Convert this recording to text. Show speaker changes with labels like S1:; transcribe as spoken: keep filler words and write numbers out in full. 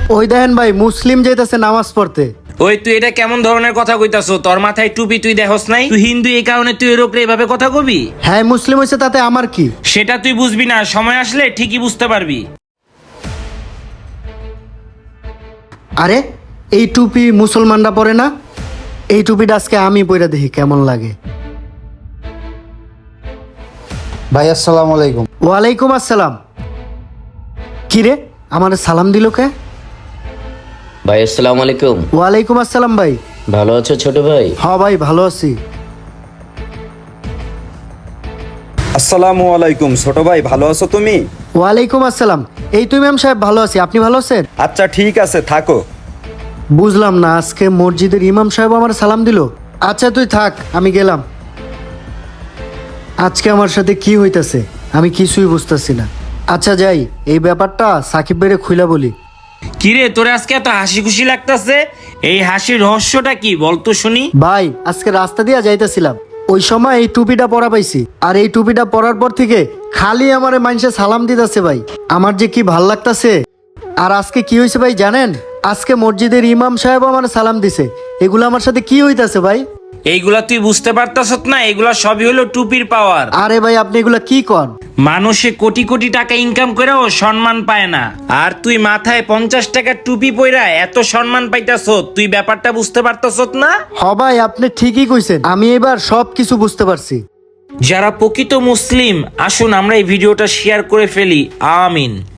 S1: ওই দেখেন ভাই, মুসলিম যাইতেছে নামাজ পড়তে।
S2: ওই তুই এটা কেমন ধরনের কথা কইতাছো? তোর মাথায় টুপি তুই দেখোস নাই? তুই হিন্দু এই কারণে তুই এর উপরে এইভাবে কথা কবি?
S1: হ্যাঁ, মুসলিম হয়েছে তাতে আমার কি?
S2: সেটা তুই বুঝবি না, সময় আসলে ঠিকই বুঝতে পারবি।
S1: আরে এই টুপি মুসলমানরা পরে না? এই টুপিটা আজকে আমি পরে দেখি কেমন লাগে।
S3: ভাই আসসালামু আলাইকুম।
S1: ওয়ালাইকুম আসসালাম। কিরে, আমার সালাম দিল কে?
S4: ভাই আসসালামু আলাইকুম।
S1: ওয়ালাইকুম আসসালাম ভাই।
S4: ভালো আছো ছোট ভাই?
S1: হ্যাঁ ভাই, ভালো আছি।
S5: আসসালামু আলাইকুম ছোট ভাই, ভালো আছো তুমি?
S1: ওয়ালাইকুম আসসালাম। এই তুই ম্যাম সাহেব, ভালো আছি। আপনি ভালো আছেন?
S5: আচ্ছা ঠিক আছে, থাকো।
S1: বুঝলাম না, আজকে মসজিদের ইমাম সাহেব আমার সালাম দিল। আচ্ছা তুই থাক, আমি গেলাম। আজকে আমার সাথে কি হইতাছে আমি কিছুই বুঝতেছি না। আচ্ছা যাই, এই ব্যাপারটা সাকিব ভাইরে খুইলা বলি।
S2: কিরে, তোরে আজকে এত হাসি খুশি লাগতাছে? এই হাসির রহস্যটা কি বলতো শুনি?
S1: ভাই, আজকে রাস্তা দিয়া যাইতেছিলাম, ওই সময় এই টুপিটা পরা পাইছি। আর এই টুপিটা পরার পর থেকে খালি আমারে মানুষে সালাম দিতেছে ভাই। আমার যে কি ভাল লাগতাছে। আর আজকে কি হয়েছে ভাই জানেন? আজকে মসজিদের ইমাম সাহেব আমার সালাম দিছে। এগুলো আমার সাথে কি হইতাছে ভাই?
S2: এইগুলা তুই বুঝতে পারতাছত না? এগুলা সবই হলো টুপির পাওয়ার।
S1: আরে ভাই, আপনি এগুলা কি কন?
S2: মানুষে কোটি কোটি টাকা ইনকাম করেও সম্মান পায় না, আর তুই মাথায় পঞ্চাশ টাকার টুপি পইরা এত সম্মান পাইতাছ। তুই ব্যাপারটা বুঝতে পারতাছত না?
S1: হ ভাই, আপনি ঠিকই কইছেন। আমি এবার সব কিছু বুঝতে পারছি।
S2: যারা প্রকৃত মুসলিম, আসুন আমরা এই ভিডিওটা শেয়ার করে ফেলি। আমিন।